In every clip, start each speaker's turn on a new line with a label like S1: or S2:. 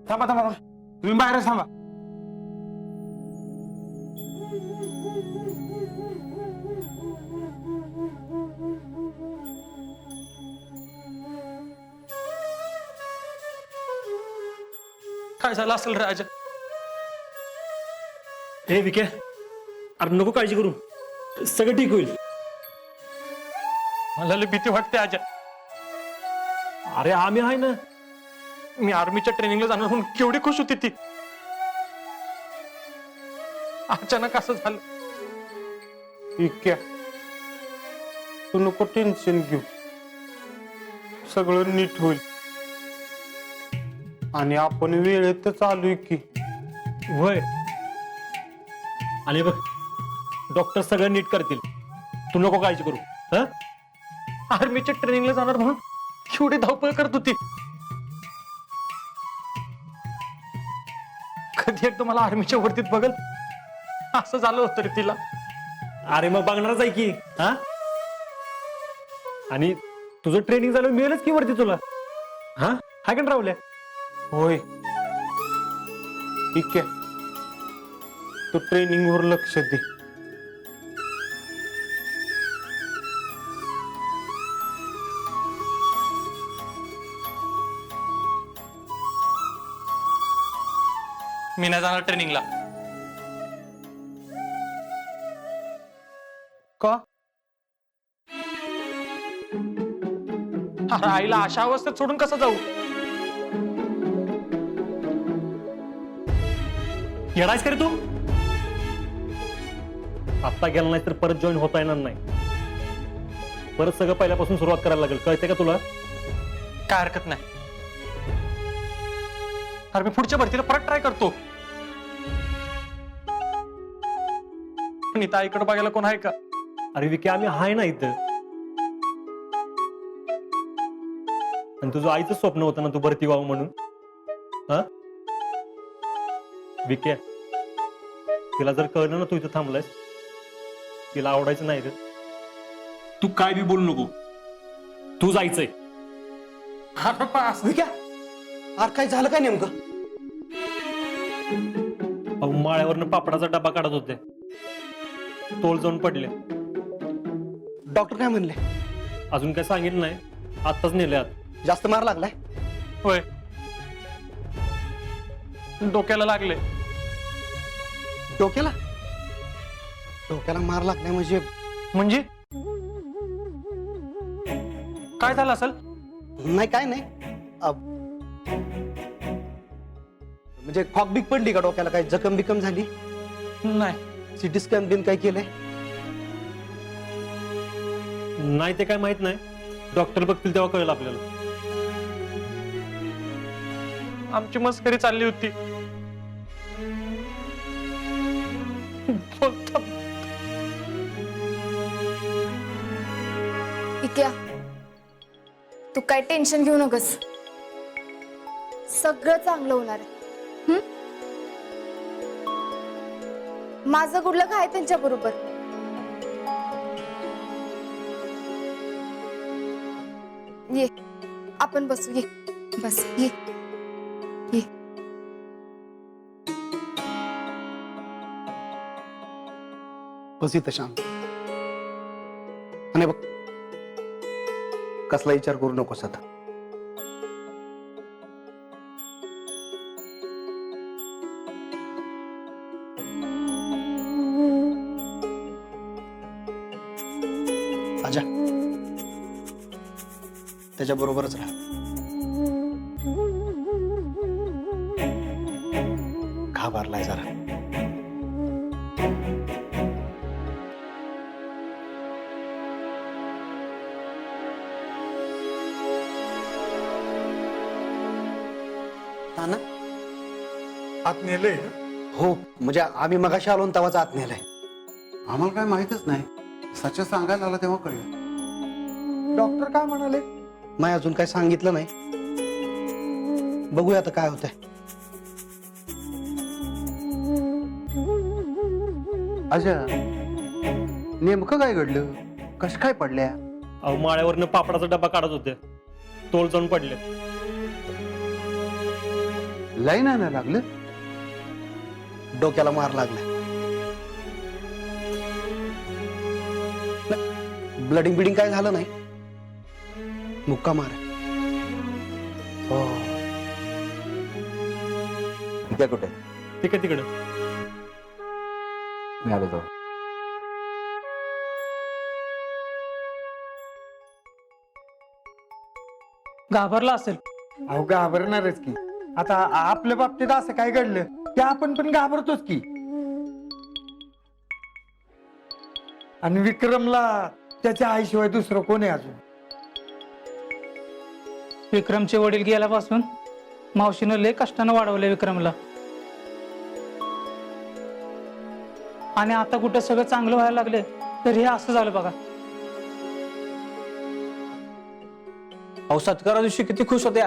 S1: थांबा थांबा थांबा. तुम्ही बाहेरच थांबा.
S2: काय झालं असेल राजा?
S3: हे विके, अरे नको काळजी करू, सगळं ठीक होईल.
S2: मला लय भीती वाटते आजा.
S3: अरे आम्ही आहे ना.
S2: मी आर्मीच्या ट्रेनिंगला जाणार म्हणून केवढी खुश होती ती. अचानक असं झालं.
S1: इतक्या तू नको टेन्शन घेऊ, सगळं नीट होईल. आणि आपण वेळेतच आलोय की.
S3: होय. आणि बघ, डॉक्टर सगळं नीट करतील, तू नको काळजी करू. हं?
S2: आर्मीच्या ट्रेनिंगला जाणार म्हणून केवढी धावपळ करत होती. कधी एकदा मला आर्मीच्या वर्दीत बघल असं झालं होतं रे तिला.
S3: अरे मग बघणारच आहे की. हा, आणि तुझं ट्रेनिंग झालं मिळेलच की वरती तुला. हा, हाय का राहुल्या?
S1: होय. इतक्या तू ट्रेनिंग वर लक्ष दे.
S2: मी नाही जाणार ट्रेनिंगला.
S1: का?
S2: अरे आईला अशा अवस्थेत सोडून कसं जाऊ?
S3: येणारच का रे तू? आत्ता गेला नाही तर परत जॉईन होता येणार नाही. परत सगळं पहिल्यापासून सुरुवात करायला लागेल, कळते का तुला?
S2: काय हरकत नाही. अरे मी पुढच्या भरतीला परत ट्राय करतो. पण इथं आईकडे बघायला कोण आहे का?
S3: अरे विके, आम्ही आहे ना इथं. आणि तुझं आईचं स्वप्न होतं ना तू भरती व्हावं म्हणून. हा विके, तिला जर कळलं ना तू इथं थांबलायस, तिला आवडायचं नाही रे. तू काय बी बोलू नको, तू जायचंय.
S2: अरे पास
S4: विक्या, अरे काय झालं काय नेमकं?
S3: अहो, माळ्यावरनं पापडाचा डबा काढत होते, तोल जाऊन पडले.
S4: डॉक्टर काय म्हणले?
S3: अजून काय सांगितलं नाही, आत्ताच नेले आत.
S4: जास्त मार लागलाय?
S2: होय, डोक्याला लागले.
S4: डोक्याला? डोक्याला मार लागलाय म्हणजे?
S2: म्हणजे काय झालं असेल?
S4: नाही काय नाही, म्हणजे खॉक बिक पडली का डोक्याला? काय जखम बिकम झाली?
S2: नाही.
S4: सिटी स्कॅन बिन काय केलंय?
S3: नाही ते काय माहित नाही, डॉक्टर बघतील तेव्हा कळेल आपल्याला.
S2: आमची मस्करी चालली होती. बोलता
S5: इक्या, तू काय टेन्शन घेऊ नकोस, सगळं चांगलं होणार आहे. माझं गुडलक आहे त्यांच्या बरोबर. ये आपण बसू, ये बस, ये ये.
S4: बस इथं शांत. आणि बघ, कसला विचार करू नकोस आता. आजा, त्याच्या बरोबरच राहा. घाबरलाय जरा. ना
S1: आत नेलंय?
S4: हो, म्हणजे आम्ही मगाशी आलो तेव्हाच आत नेलाय.
S6: आम्हाला काय माहितच नाही, सच सांगायला आला तेव्हा कळलं.
S4: डॉक्टर काय म्हणाले? नाही अजून काय सांगितलं नाही, बघूया आता काय होतंय.
S6: अच्छा, नेमकं काय घडलं? कश काय पडल्या?
S3: अहो, माळ्यावरनं पापडाचा डबा काढत होते, तोल जाऊन पडले.
S6: लाईन आणायला लागलं.
S4: डोक्याला मार लागलाय. ब्लडिंग बिडिंग काय झालं नाही. मुक्का मार आहे. हो.
S7: त्या कुठे
S3: ठीक आहे तिकडे.
S7: मी आलो जाऊ.
S2: घाबरला असेल.
S8: अहो घाबरणारच की. आता आपल्या बाबतीत असं काय घडलं की आपण पण घाबरतोच की. आणि विक्रमला त्याच्या आईशिवाय दुसरं कोण आहे अजून.
S2: विक्रमचे वडील गेल्यापासून मावशीनं लय कष्टानं वाढवले विक्रमला. आणि आता कुठं सगळं चांगलं व्हायला लागले तर हे असं झालं बघा.
S9: अहो सत्कारा दिवशी किती खुश होत्या.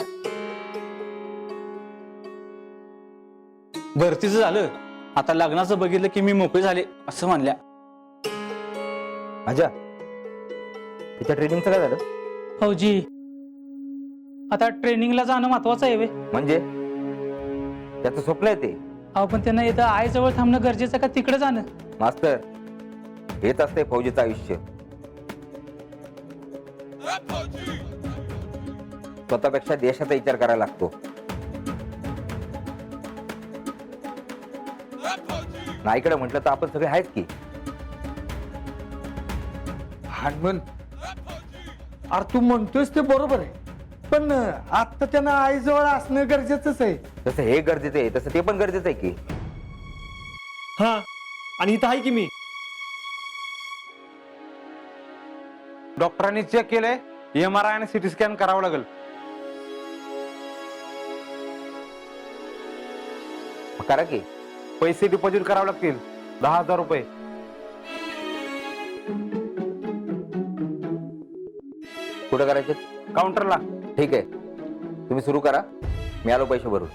S9: भरतीचं झालं, आता लग्नाचं बघितलं की मी मोकळे झाले असं म्हणल्या.
S7: माझ्या तिच्या ट्रेनिंगचं काय झालं?
S2: फौजी आता ट्रेनिंगला जाणं महत्वाचं आहे वे.
S7: म्हणजे त्याचं स्वप्न आहे ते.
S2: अहो पण त्यांना इथं आईजवळ थांबणं गरजेचं का तिकडे जाणं.
S7: मास्तर हेच असते फौजीचं आयुष्य. स्वतःपेक्षा देशाचा विचार करायला लागतो. नाईकडे म्हटलं तर आपण सगळे आहेत की.
S8: हनुमान अरे तू म्हणतोयस ते बरोबर आहे. पण आता त्यांना आईजवळ असणं गरजेचंच आहे.
S7: जसं हे गरजेचं आहे तसं ते पण गरजेचं आहे की.
S3: हा आणि इथं आहे की मी.
S1: डॉक्टरांनी चेक केलंय. MRI आणि CT स्कॅन करावं लागेल.
S7: करा की.
S1: पैसे डिपॉझिट करावे लागतील 10,000 रुपये.
S7: कुठं करायचे?
S1: काउंटरला.
S7: ठीक आहे तुम्ही सुरू करा. मी आलो पैसे भरून.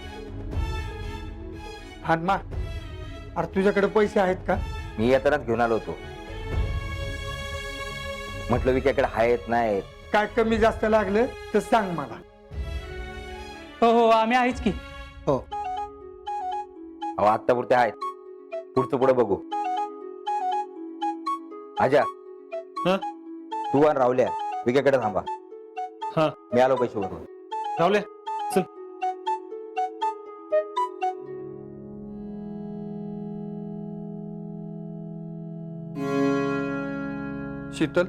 S8: हनुमा अरे तुझ्याकडे पैसे आहेत का?
S7: मी येतानाच घेऊन आलो होतो. म्हटलं विक्याकडे आहेत नाहीत.
S8: काय कमी जास्त लागलं तर सांग मला.
S2: हो हो आम्ही आहेच की.
S4: हो.
S7: अहो आत्तापुरते आहेत. पुढचं पुढे बघू. आजा
S3: हा?
S7: तू आणि रावल्या विक्याकडे थांबा.
S3: हा
S7: मी आलो पैसे भरून.
S3: रावले चल.
S8: शीतल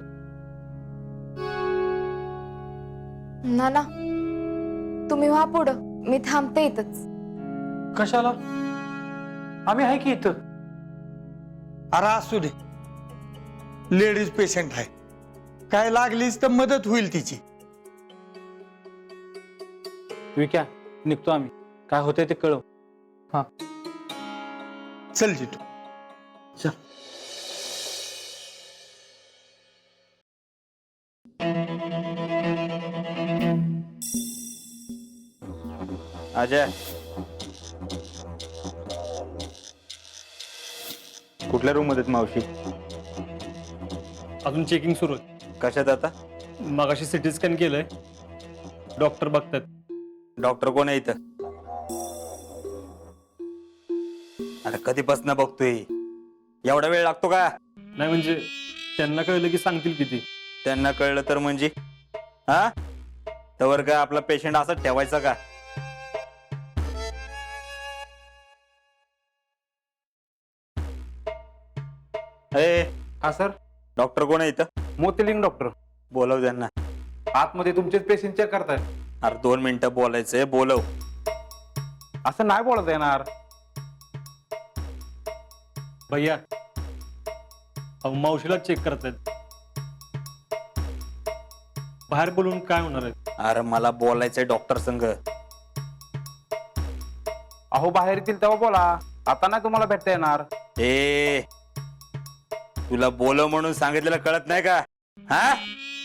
S5: नाना तुम्ही व्हा पुढं, मी थांबते इथंच.
S8: कशाला? आम्ही आहे की इथं. अरे असू दे. लेडीज पेशंट आहे. काय लागलीच तर मदत होईल तिची.
S9: विक्या निघतो आम्ही. काय होतंय ते कळव.
S8: चल जितू.
S1: अजय कुठल्या रूम मध्ये मावशी?
S3: अजून चेकिंग सुरू आहे.
S1: कशात आता?
S3: मगाशी CT स्कॅन केलंय. डॉक्टर बघतात.
S1: डॉक्टर कोण आहे इथं? अरे कधीपासून बघतोय. एवढा वेळ लागतो का?
S3: नाही म्हणजे त्यांना कळलं की सांगतील किती.
S1: त्यांना कळलं तर म्हणजे हा तवर का आपला पेशंट असा ठेवायचा का?
S10: हा सर.
S1: डॉक्टर कोण आहे इथं?
S10: मोतीलिंग डॉक्टर.
S1: बोलव त्यांना.
S10: आतमध्ये तुमचेच पेशंट चेक करताय.
S1: अरे 2 मिनिटं बोलायचंय. बोलव.
S10: असं नाही बोलता येणार.
S3: भैया अहो मावशीला चेक करतायत. बाहेर बोलून काय होणार आहे?
S1: अरे मला बोलायचंय डॉक्टर संघ.
S10: अहो बाहेर येतील तेव्हा बोला. आता नाही तुम्हाला भेटता येणार.
S1: ए तुला बोलव म्हणून सांगितलेलं कळत नाही का? हा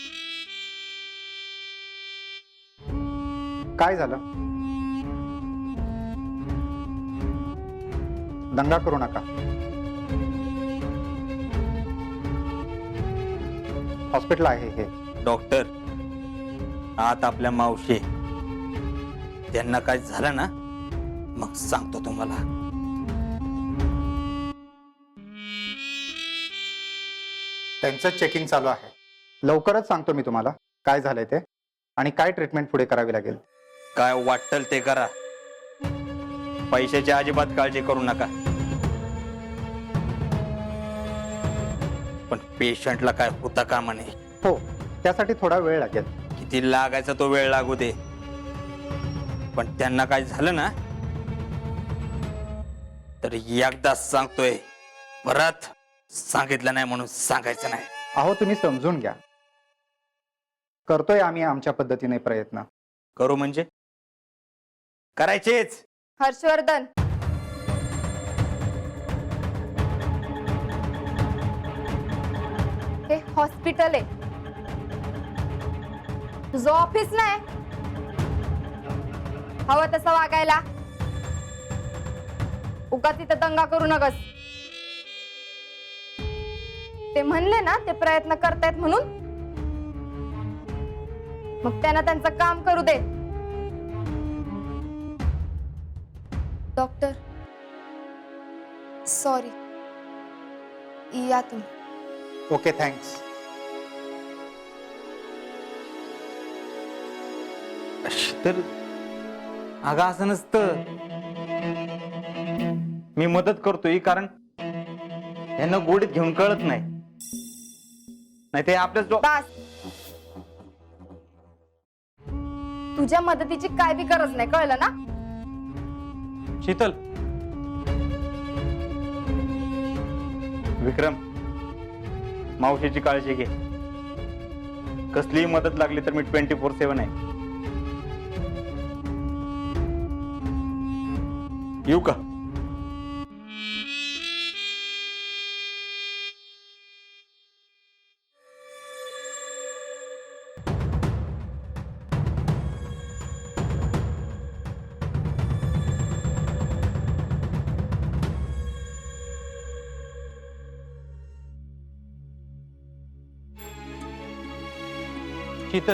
S10: काय झालं? दंगा करू नका. हॉस्पिटल आहे हे.
S1: डॉक्टर आत आपल्या मावशी त्यांना काय झालं ना मग सांगतो तुम्हाला.
S11: त्यांचं चेकिंग चालू आहे. लवकरच सांगतो मी तुम्हाला काय झालंय ते आणि काय ट्रीटमेंट पुढे करावी लागेल.
S1: काय वाटल ते करा, पैशाची अजिबात काळजी करू नका. पण पेशंटला काय होता का म्हणे.
S11: हो, त्यासाठी थोडा वेळ लागेल.
S1: किती लागायचा तो वेळ लागू दे, पण त्यांना काय झालं ना तर एकदा सांगतोय, परत सांगितलं नाही म्हणून सांगायचं नाही.
S11: अहो तुम्ही समजून घ्या, करतोय आम्ही आमच्या पद्धतीने प्रयत्न.
S1: करू म्हणजे करायचेच.
S5: हर्षवर्धन, हे हॉस्पिटल आहे, तुझं ऑफिस नाही. हवं तसं वागायला. उगा तिथं दंगा करू नकस. ते म्हणले ना ते प्रयत्न करतायत म्हणून, मग त्यांना त्यांचं काम करू दे. डॉक्टर सॉरी, या तुम्ही.
S11: Okay, thanks.
S1: तर अगं असं नसतं. मी मदत करतोय कारण यांना गोडीत घेऊन कळत नाही. नाही ते आपल्याच
S5: बस, तुझ्या मदतीची काय बी गरज नाही, कळलं ना.
S1: शीतल, विक्रम, मावशीची काळजी घे. कसलीही मदत लागली तर मी 24/7 आहे. येऊ का?
S3: शीतल,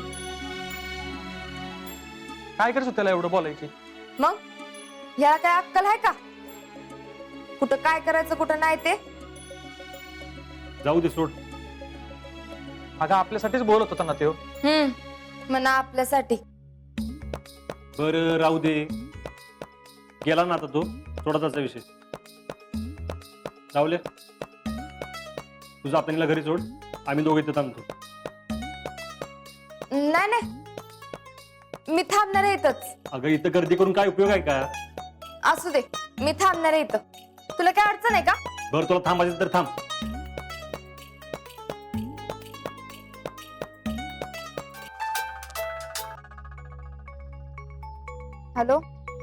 S3: काय करत त्याला एवढं बोलायची?
S5: मग याला काय अक्कल आहे का? कुठं काय करायचं कुठं नाही ते.
S3: जाऊ दे, सोड. अगं आपल्यासाठीच बोलत होता ना तो.
S5: म्हणा आपल्यासाठी.
S3: बरं राहू दे, गेला ना आता तो, सोडा त्याचा विषय. राहुले, तुझं आपल्याला घरी सोड, आम्ही दोघे इथं थांबतो.
S5: नाही नाही, मी थांबणार आहे इथंच.
S3: अगं इथं गर्दी करून काय उपयोग आहे का?
S5: असू दे, मी थांबणार आहे इथं. तुला काय अडचण आहे का?
S3: बरं, तुला थांबायचं तर थांब.
S5: हॅलो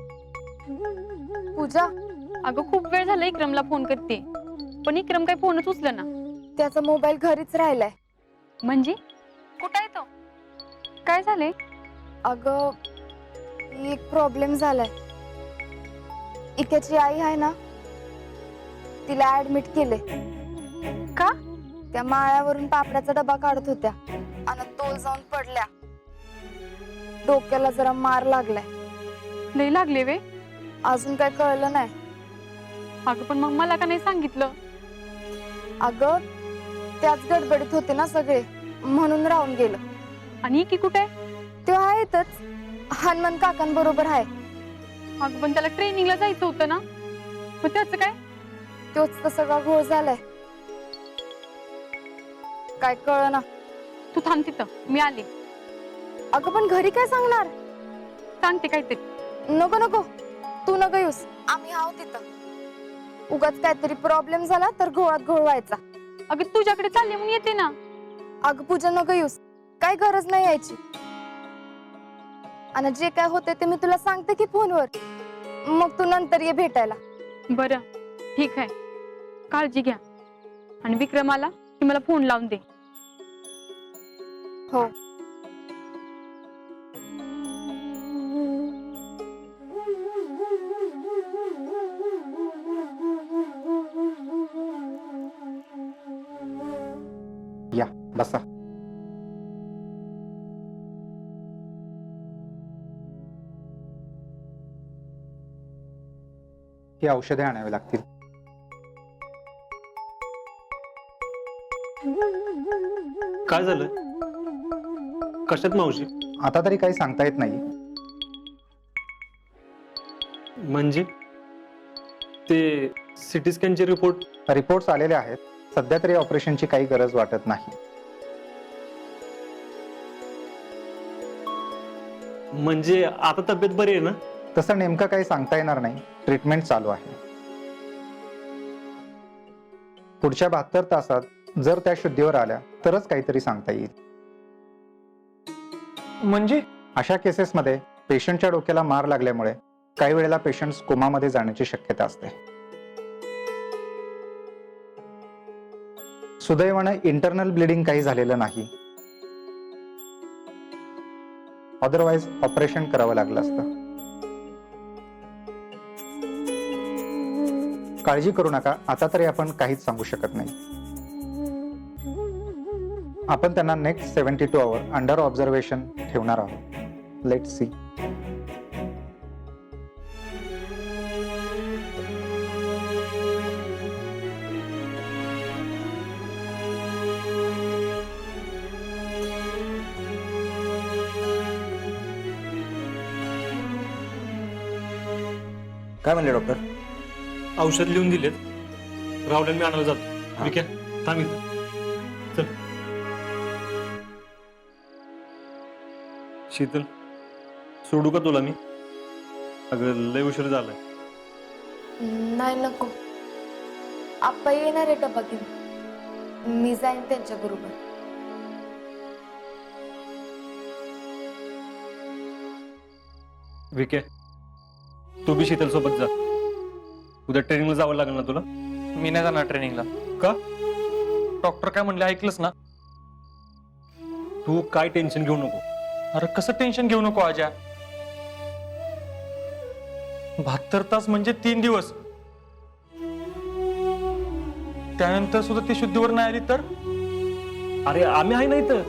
S5: पूजा.
S12: अगं खूप वेळ झाला इक्रमला फोन करते, पण इक्रम काही फोनच उचलेना.
S5: त्याचा मोबाईल घरीच राहिलाय.
S12: म्हणजे कुठं आहे तो? काय झालंय?
S5: अगं एक प्रॉब्लेम झालाय. इक्याची आई आहे ना, तिला ऍडमिट केले.
S12: का?
S5: त्या माळ्यावरून पापड्याचा डबा काढत होत्या आणि तोल जाऊन पडल्या. डोक्याला जरा मार लागलाय.
S12: लय लागले वे?
S5: अजून काय कळलं नाही.
S12: अगं पण मग मला का नाही सांगितलं?
S5: अगं त्याच गडबडीत होते ना सगळे, म्हणून राहून गेलं.
S12: आणि की कुठे?
S5: तो आहेतच, हनुमान काकांबरोबर आहे.
S12: अगं पण त्याला ट्रेनिंगला जायचं होतं ना, मग त्याचं काय?
S5: तोच तर सगळा घोळ झालाय. काय कळ ना.
S12: तू थांब तिथं, मी आले.
S5: अगं पण घरी काय सांगणार?
S12: सांगते काहीतरी.
S5: नको नको, तू नको येऊस, आम्ही आहोत तिथं. उगाच काहीतरी प्रॉब्लेम झाला तर घोळात घोळ व्हायचा.
S12: अगं तुझ्याकडे चालले म्हणून येते ना.
S5: अगं पूजा नको येऊस, काय गरज नाही यायची. आणि जे काय होते ते मी तुला सांगते की फोनवर, मग तू नंतर ये भेटायला.
S12: बरं ठीक आहे, काळजी घ्या. आणि विक्रमाला की मला फोन लावून दे.
S5: हो.
S11: या बसा. की औषधे आणावी लागतील.
S3: काय झालं? कशात मावशी?
S11: आता तरी काही सांगता येत नाही.
S3: म्हणजे ते सिटी स्कॅनचे
S11: रिपोर्ट्स आलेले आहेत. सध्या तरी ऑपरेशनची काही गरज वाटत नाही.
S3: म्हणजे आता तब्येत बरी आहे ना?
S11: तसं नेमकं काही सांगता येणार नाही. ट्रीटमेंट चालू आहे. पुढच्या 72 तासात जर त्या शुद्धीवर आल्या तरच काहीतरी सांगता येईल.
S8: म्हणजे
S11: अशा केसेसमध्ये पेशंटच्या डोक्याला मार लागल्यामुळे काही वेळेला पेशंट कोमामध्ये जाण्याची शक्यता असते. सुदैवाने इंटरनल ब्लिडिंग काही झालेलं नाही. अदरवाईज ऑपरेशन करावं लागलं असतं. काळजी करू नका. आता तरी आपण काहीच सांगू शकत नाही. आपण त्यांना नेक्स्ट 72 आवर अंडर ऑब्झर्वेशन ठेवणार आहोत. Let see.
S7: काय म्हणले डॉक्टर?
S3: औषध लिहून दिलेत. राहुल मी आणायला जातो. ठीक आहे, थांब इथं. चल. शीतल, सोडू का तुला मी? अगं लय उशीर झालाय.
S5: नाही नको. आप्पा येणार आहे डबा घेऊन. मी जाईन त्यांच्या बरोबर.
S3: विके, तू बी शीतल सोबत जा. उद्या ट्रेनिंगला जावं लागेल ना तुला?
S8: मी नाही जाणार ट्रेनिंगला.
S3: का?
S8: डॉक्टर काय म्हणले ऐकलंस ना?
S3: तू काय टेन्शन घेऊ नको.
S8: अरे कसं टेन्शन घेऊ नको आजा. 72 तास म्हणजे 3 दिवस. त्यानंतर सुद्धा ती शुद्धीवर नाही आली तर?
S3: अरे आम्ही आहे ना इथं.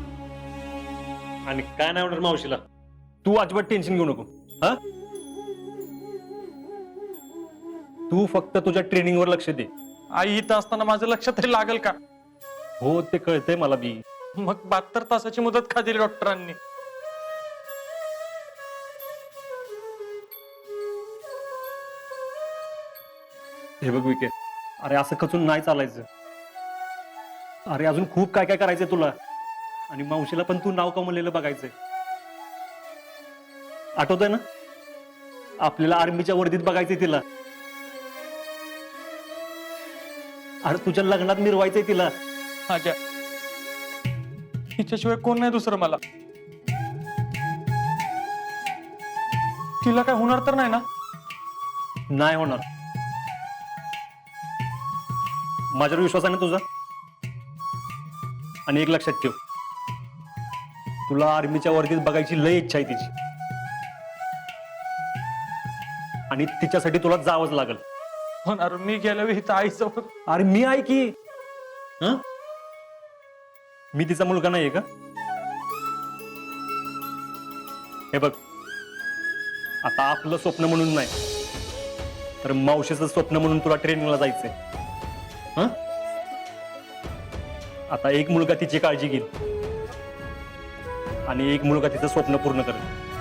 S3: आणि काय नाही होणार मावशीला. तू अजिबात टेन्शन घेऊ नको. हा, तू फक्त तुझ्या ट्रेनिंगवर लक्ष दे.
S8: आई इथं असताना माझं लक्ष तरी लागेल का?
S3: हो, ते कळतंय मला बी.
S8: मग 72 तासाची मुदत का दिली डॉक्टरांनी?
S3: हे बघ विके, अरे असं खचून नाही चालायचं. अरे अजून खूप काय काय करायचंय तुला. आणि मावशीला पण तू नाव कमवलेलं बघायचंय. आठवतंय ना, आपल्याला आर्मीच्या वर्दीत बघायचंय तिला. अरे तुझ्या लग्नात मिरवायचंय तिला.
S8: आजा, हिच्याशिवाय कोण नाही दुसरं मला. तिला काय होणार तर नाही ना?
S3: नाही होणार. माझ्यावर विश्वास आहे ना तुझा? आणि एक लक्षात ठेव, तुला आर्मीच्या वर्दीत बघायची लय इच्छा आहे तिची. आणि तिच्यासाठी तुला जावंच लागल.
S8: होणार. मी गेल्या वेळी इथं आईजवळ.
S3: अरे मी आहे की. हं? मी तिचा मुलगा नाहीये का? हे बघ, आता आपलं स्वप्न म्हणून नाही तर मावशीचं स्वप्न म्हणून तुला ट्रेनिंगला जायचंय. हं? आता एक मुलगा तिची काळजी घेईल आणि एक मुलगा तिचं स्वप्न पूर्ण करेल.